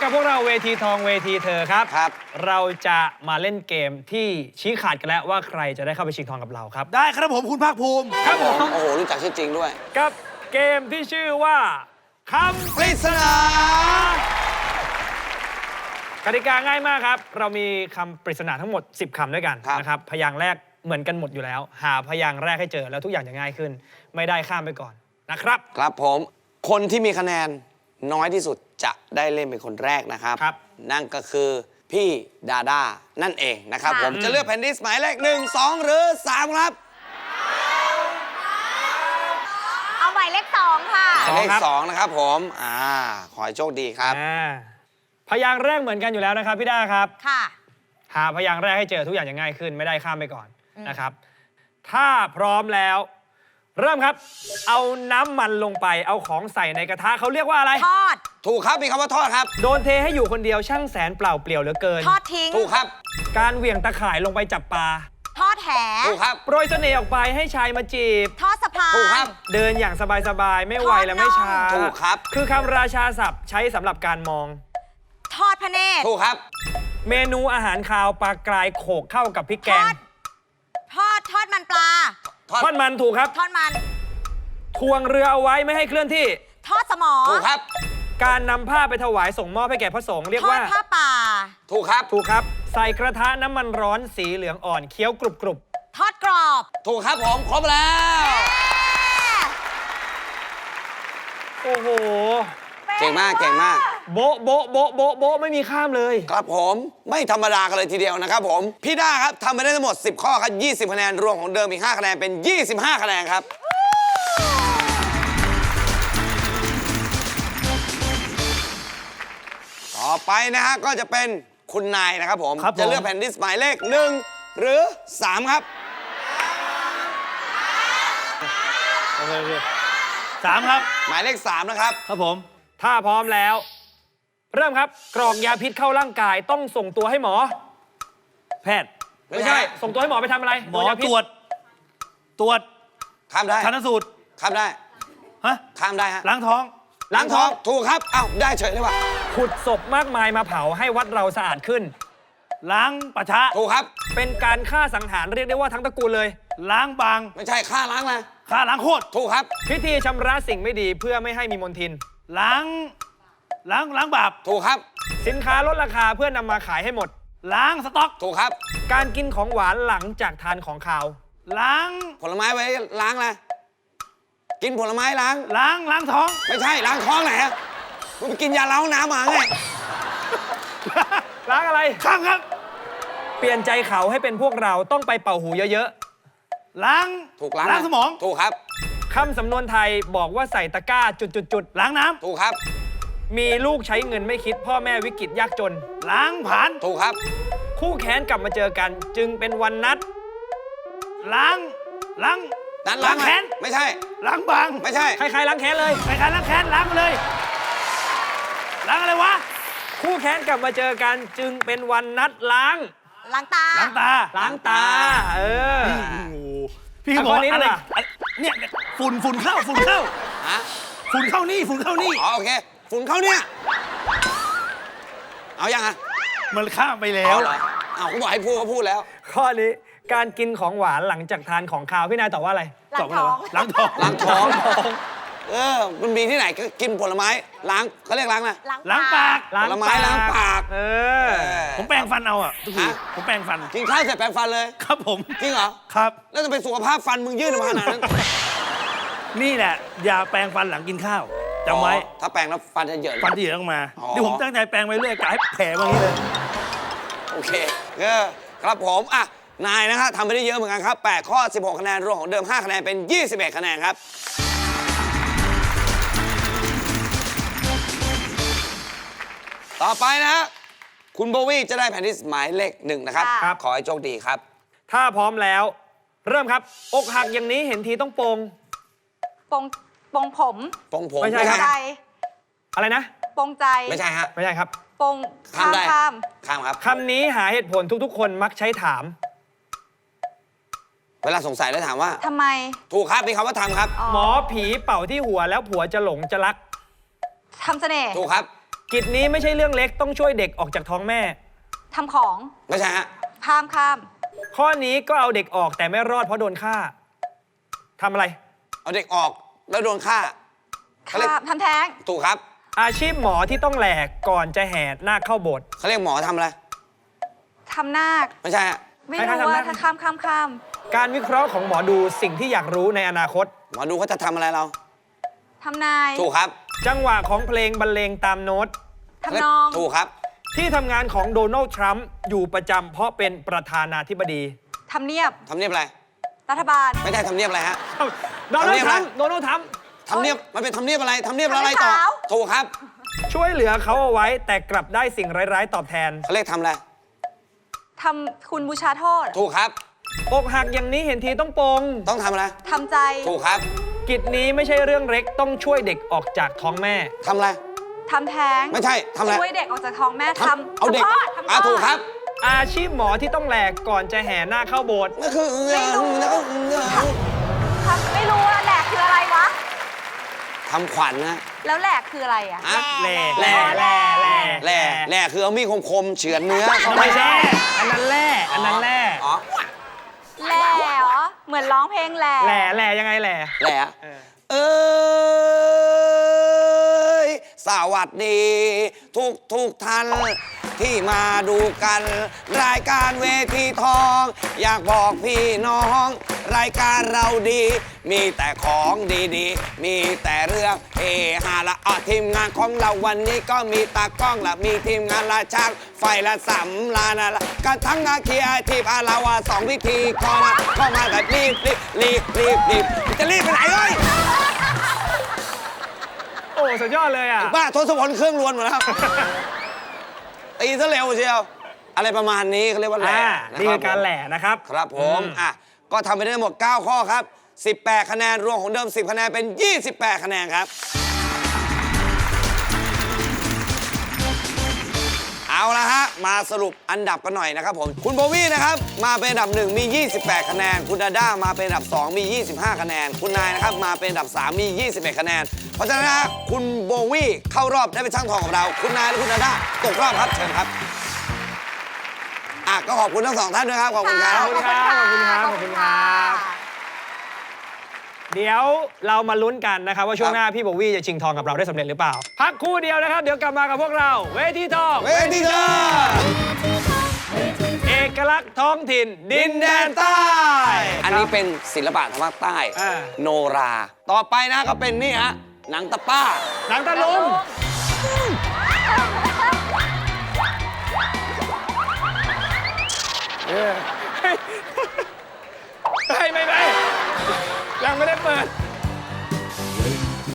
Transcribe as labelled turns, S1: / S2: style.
S1: กับพวกเราเวทีทองเวทีเธอครับ
S2: ครับ
S1: เราจะมาเล่นเกมที่ชี้ขาดกันแล้วว่าใครจะได้เข้าไปชิงทองกับเราครับ
S3: ได้ครับผมคุณภาคภูมิ
S1: ครับผม
S2: โอ้โหรู้จักชื่อจริงด้วย
S1: กับเกมที่ชื่อว่าคำ
S2: ปริศนาก
S1: ติกาง่ายมากครับ เรามีคำปริศนาทั้งหมด 10 คำด้วยกันนะครับพยางค์แรกเหมือนกันหมดอยู่แล้ว หาพยางค์แรกให้เจอแล้วทุกอย่างจะง่ายขึ้น ไม่ได้ข้ามไปก่อนนะครับ
S2: ครับผมคนที่มีคะแนนน้อยที่สุดจะได้เล่นเป็นคนแรกนะครับ
S1: ครับ
S2: นั่นก็คือพี่ดาด้านั่นเองนะครับ
S4: ค่ะ
S2: ผมจะเลือกแผ่นดิสหมายเลข1 2 หรือ 3 ครับ
S4: เอาหมายเลข2ค่ะ
S2: หมายเลข
S1: ครับ
S2: 2นะครับผมขอให้โชคดีครับ
S1: พยางค์แรกเหมือนกันอยู่แล้วนะครับพี่ด้าครับ
S4: ค่ะ
S1: หาพยางค์แรกให้เจอทุกอย่างจะง่ายขึ้นไม่ได้ข้ามไปก่อนนะครับ ถ้าพร้อมแล้ว เริ่มครับ เอาน้ำมันลงไปเอาของใส่ในกระทะเขาเรียกว่าอะไร
S4: ทอด
S2: ถูกครับมีคำว่าทอดครับ
S1: โดนเทให้อยู่คนเดียวช่างแสนเปล่าเปลี่ยวเหลือเกิน
S4: ทอดทิ้ง
S2: ถูกครับ
S1: การเหวี่ยงตะข่ายลงไปจับปลา
S4: ทอดแห
S2: ถูกครับ
S1: โปรยเสน่ห์ออกไปให้ชายมาจีบ
S4: ทอดสะพาน
S2: ถูกครับ
S1: เดินอย่างสบายๆไม่ไวและไม่ช้า
S2: ถูกครับ
S1: คือคำราชาศัพท์ใช้สำหรับการมอง
S4: ทอดพระเนตร
S2: ถูกครับ
S1: เมนูอาหารคาวปลากรายโขกเข้ากับพริกแก
S4: ทอง ด ทอดมันปลา
S1: ทอดมันถูกครับ
S4: ทอดมัน
S1: ทวงเรือเอาไว้ไม่ให้เคลื่อนที่
S4: ทอดสมอ
S2: ถูกครับ
S1: การนำผ้าไปถวายส่งมอบให้แก่พระสงฆ์เรียก
S4: ทอด
S1: ว่า
S4: ผ้าป่า
S2: ถูกครับ
S1: ถูกครับ ใส่กระทะน้ำมันร้อนสีเหลืองอ่อนเคี้ยวกรุบ
S4: ทอดกรอบ
S2: ถูกครับผมครบแล้ว
S1: ๆโอ้โห
S2: เก่งมากเก่งมาก
S1: โบ๊ะโบ๊ะโบ๊ะโบ๊ะโบ๊ะไม่มีข้ามเลย
S2: ครับผมไม่ธรรมดากันเลยทีเดียวนะครับผมพี่ด้าครับทำไปได้ทั้งหมด 10 ข้อครับ20 คะแนนรวมของเดิมอีก 5 คะแนนเป็น 25 คะแนนครับ ต่อไปนะฮะก็จะเป็นคุณนายนะครับผม
S3: ครับผม
S2: จะเลือกแผ่นดิสหมายเลข1 หรือ 3 ครับ
S3: โอเค3ครับ
S2: หมายเลข 3 นะครับ
S3: ครับผม
S1: ถ้าพร้อมแล้ว เริ่มครับ กรอกยาพิษเข้าร่างกายต้องส่งตัวให้หมอ
S3: แพทย์
S1: ไม่ใช่ ส่งตัวให้หมอไปทำอะไร
S3: หมอ
S1: โดนยาพิษ
S3: ตรวจ
S2: ข้ามได้
S3: ชันสูตร
S2: ข้ามได้
S3: ฮะ
S2: ข้ามได้ฮะ
S3: ล้างท้อง
S2: ล้างท้องถูกครับเอ้าได้เฉยเลยว่ะ
S1: ขุดศพมากมายมาเผาให้วัดเราสะอาดขึ้น
S3: ล้างป่าช้า
S2: ถูกครับ
S1: เป็นการฆ่าสังหารเรียกได้ว่าทั้งตระกูลเลย
S3: ล้างบาง
S2: ไม่ใช่ค่าล้างนะ
S3: ฆ่าล้างโคตร
S2: ถูกครับ
S1: พิธีชำระสิ่งไม่ดีเพื่อไม่ให้มีมลทิน
S3: ล้างบาป
S2: ถูกครับ
S1: สินค้าลดราคาเพื่อนำมาขายให้หมด
S3: ล้างสต็อก
S2: ถูกครับ
S1: การกินของหวานหลังจากทานของขาว
S3: ล้าง
S2: ผลไม้ไว้ล้างอะไรกินผลไม้ล้าง
S3: ล้างท้อง
S2: ไม่ใช่ล้างท้องไหนอะมึงไปกินยาล้างน้ำมาไง
S1: ล้างอะไร
S3: ข้ามครับ
S1: เปลี่ยนใจเขาให้เป็นพวกเราต้องไปเป่าหูเยอะ
S3: ล้าง
S2: ถูกล้าง
S3: ล้าง
S2: นะ
S3: สมอง
S2: ถูกครับ
S1: ๆคำสำนวนไทยบอกว่าใส่ตะกร้าจุด
S3: ล้างน้
S2: ถูกครับ
S1: ๆมีลูกใช้เงินไม่คิดพ่อแม่วิกฤตยากจน
S3: ำล้างผ่าน
S2: ถูกครับ
S1: คู่แค้นกลับมาเจอกัน จึงเป็นวันนัด
S3: ล้าง
S2: นั้น
S3: ล้างแค้น
S2: ไม่ใช่
S3: ล้างบาง
S2: ไม่ใช่
S1: คล้ายๆล้างแค้นเลย
S3: ไปการล้างแค้นล้างมาเลย ล้างอะไรวะ
S1: คู่แค้นกลับมาเจอกัน จึงเป็นวันนัดล้าง
S4: ล้างตา
S3: ล้างตา
S1: ล้างตา เออ
S3: โอ้โหพี่ก็บอก
S1: เอาข้อนี้
S3: ว่าอะไร
S1: ดีกว่า
S3: เนี่ยฝุ่นเข้า
S2: ฮะ
S3: ฝุ่นเข้านี่
S2: อ๋อโอเคฝุ่นเข้าเนี่ยเอายังอะ
S3: มันข้ามไปแล้
S2: เอา
S3: ว
S2: เหรอเอาเขาบอกให้พูดก็พูดแล้ว
S1: ข้อนี้การกินของหวานหลังจากทานของคาวพี่นายตอบว่าอะไร
S4: ล้างท้อง
S3: ล้างท้อง
S2: ล้างท้องมันมีที่ไหนก็กินผลไม้ล้างเขาเรียกล้างนะ
S3: ล้างปาก
S2: ผลไม้ล้างปาก
S1: เออ
S3: ผมแปรงฟันเอาอ่ะทุกที
S2: ฮะ
S3: ผมแปรงฟัน
S2: กินข้าวเสร็จแปรงฟันเลย
S3: ครับผม
S2: จริงเหรอ
S3: ครับ
S2: แล้วจะเป็นสุขภาพฟันมึงยืดมาขนาดนั้น
S3: นี่แหละ อย่าแปรงฟันหลังกินข้าวจำไว้
S2: อ๋อถ้าแปรงแล้วฟันจะเหยิน
S3: ฟันที่เหลือต้องมา
S2: อ๋อ
S3: นี่ผมตั้งใจแปรงไปเรื่อยกะให้แผลมาอย่างนี้เลย
S2: โอเคครับผมอ่ะนายนะฮะทำไปได้เยอะเหมือนกันครับ8ข้อ 16 คะแนนรวมของเดิม 5 คะแนนเป็น 21 คะแนนครับ ต่อไปนะฮะคุณโบวี่จะได้แผ่นที่หมายเลข1นะครับ
S4: ครับ
S2: ขอให้โชคดีครับ
S1: ถ้าพร้อมแล้ว เริ่มครับ อกหักอย่างนี้เห็นทีต้องโปง
S4: ปงผม
S2: ปงผม
S1: ไม่ใช่ครับ
S4: ใจ
S1: อะไรนะ
S4: ปงใจ
S2: ไม่ใช่ฮะ
S1: ไม่ใช่ครับ
S4: ปง
S2: ข้ามได้
S4: ข้าม
S2: ข้ามครับ
S1: คำนี้หาเหตุผลทุกๆ คนมักใช้ถาม
S2: เวลาสงสัยแล้วถามว่า
S4: ทำไม
S2: ถูกครับมีคำว่าทำครับ
S1: หมอผีเป่าที่หัวแล้วผัวจะหลงจะรัก
S4: ทำเสน่ห์
S2: ถูกครับ
S1: กิจนี้ไม่ใช่เรื่องเล็กต้องช่วยเด็กออกจากท้องแม่
S4: ทำของ
S2: ไม่ใช่ฮะ
S4: ข้าม
S1: ข้อนี้ก็เอาเด็กออกแต่ไม่รอดเพราะโดนฆ่าทำอะไร
S2: เอาเด็กออกแล้วโดนฆ่า เขาเรียก
S4: ข้ามทำแท้ง
S2: ถูกครับ
S1: อาชีพหมอที่ต้องแหลกก่อนจะแห่นาคเข้าโบสถ์
S2: เขาเรียกหมอทำอะไร
S4: ทำนาค
S2: ไม่ใช่ฮะ
S4: ไม่
S1: ใคร
S4: รู้
S1: ๆทำ
S4: ว่า
S1: นาค
S4: ถ้าข้าม
S1: การวิเคราะห์ของหมอดูสิ่งที่อยากรู้ในอนาคต
S2: หมอดูเขาจะทำอะไรเรา
S4: ทำนาย
S2: ถูกครับ
S1: จังหวะของเพลงบรรเลงตามโน้ต
S4: ทำนอง
S2: ถูกครับ
S1: ที่ทำงานของโดนัลด์ทรัมป์อยู่ประจำเพราะเป็นประธานาธิบดี
S4: ทำเนียบ
S2: ทำเนียบอะไร
S4: รัฐบาล
S2: ไม่ใช่ทำเนียบอะไรฮะ
S1: โดนัล
S2: ทำเนีย
S1: ด์
S2: บ
S1: ท
S2: อะไร
S1: รัมป์โดนัลด์ทรัมป์
S2: ทำเนียบ มันเป็นทำเนียบอะไร ทำเนียบแล้วอะไรต่อ
S4: ทำให้ขาว
S2: ถูกครับ
S1: ช่วยเหลือเขาเอาไว้แต่กลับได้สิ่งร้ายๆตอบแทน
S2: เขาเรียกทำอะไร
S4: ทำคุณบูชาโทษ
S2: ถูกครับ
S1: อกหักอย่างนี้เห็นทีต้องปลง
S2: ต้องทำอะไร
S4: ทำใจ
S2: ถูกครับ
S1: กิจนี้ไม่ใช่เรื่องเล็กต้องช่วยเด็กออกจากท้องแม่
S2: ทำอะไร
S4: ทำแท้ง
S2: ไม่ใช่ทำอะไร
S4: ช่วยเด็กออกจากท้องแม่ทำ
S2: เอาเด็ก
S4: ทำคลอดทำคลอด
S2: ถูกครับ
S1: อาชีพหมอที่ต้องแหลกก่อนจะแห่นาคเข้าโบสถ์
S2: นั่นคือ
S4: ไม่รู้ ไม่รู้ว่าแหลกคืออะไรวะ
S2: ทำขวัญนะ
S4: แล้วแหลกคืออะไรอ่ะ
S2: อ่ะ
S1: แหล่
S2: แหล่
S1: แหล่แหล่
S2: แหล่แหล่คือเอามีดคมๆเฉือนเนื้อเข้าไป
S1: ไม่ใช่อันนั้นแหล่อันนั้นแหล่
S2: อ๋อ
S4: แหล่เหรอ เหมือนร้องเพลงแหล่
S1: แหล่แหล่ยังไงแหล่
S2: แหล่
S1: เออ
S2: เอ้ยสวัสดีทุกท่านที่มาดูกัน รายการเวทีทอง อยากบอกพี่น้อง รายการเราดี มีแต่ของดีๆ มีแต่เรื่องเฮฮาละทีมงานของเราวันนี้ก็มีตากล้องละมีทีมงานละช่างไฟละสำลานะละกันทั้งอาเคียทีพาลาวาสองพิธีกรก็มาแบบรีบจะรีบไปไหนเอ้ย
S1: โอ้สุดยอดเลยอ่ะ
S2: บ้าทศพลเครื่องรวนหมดแล้ว ตีซะเร็วเชียว อะไรประมาณนี้เขาเรียกว่าแหล่
S1: อ่า
S2: นะ
S1: นี่
S2: ค
S1: คื
S2: รับ
S1: อการแหล่นะครับ
S2: ครับผมอ่ะก็ทำไปได้ทั้งหมด 9 ข้อครับ 18 คะแนน รวมของเดิม 10 คะแนน เป็น 28 คะแนนครับ เอาละฮะ มาสรุปอันดับกันหน่อยนะครับผม คุณโบวี่นะครับ มาเป็นอันดับ 1 มี 28 คะแนน คุณดาด้ามาเป็นอันดับ 2 มี 25 คะแนน คุณนายนะครับ มาเป็นอันดับ 3 มี 21 คะแนน เพราะฉะนั้นนะฮะคุณโบวี่เข้ารอบได้เป็นช่างทองของเรา คุณนายและคุณดาด้าตกรอบครับ เชิญครับ ก็ขอบคุณทั้งสองท่านด้วยครับ ขอบคุณครับ
S1: ขอบคุณครับขอบคุณครับขอบคุณครับ เดี๋ยวเรามาลุ้นกันนะครับว่าช่วงหน้าพี่โบวี่จะชิงทองกับเราได้สำเร็จหรือเปล่า พักครู่เดียวนะครับ เดี๋ยวกลับมากับพวกเรา เวทีทอง
S2: เวทีเธอ
S1: เอกลักษณ์ท้องถิ่น ดินแดนใต้
S2: อันนี้เป็นศิลปะทางภาคใต้
S1: อ่า
S2: โนรา ต่อไปนะก็เป็นนี่ฮะ หนังตะป้า
S1: หนังตะลุงไม่ยังไม่ได้เปิด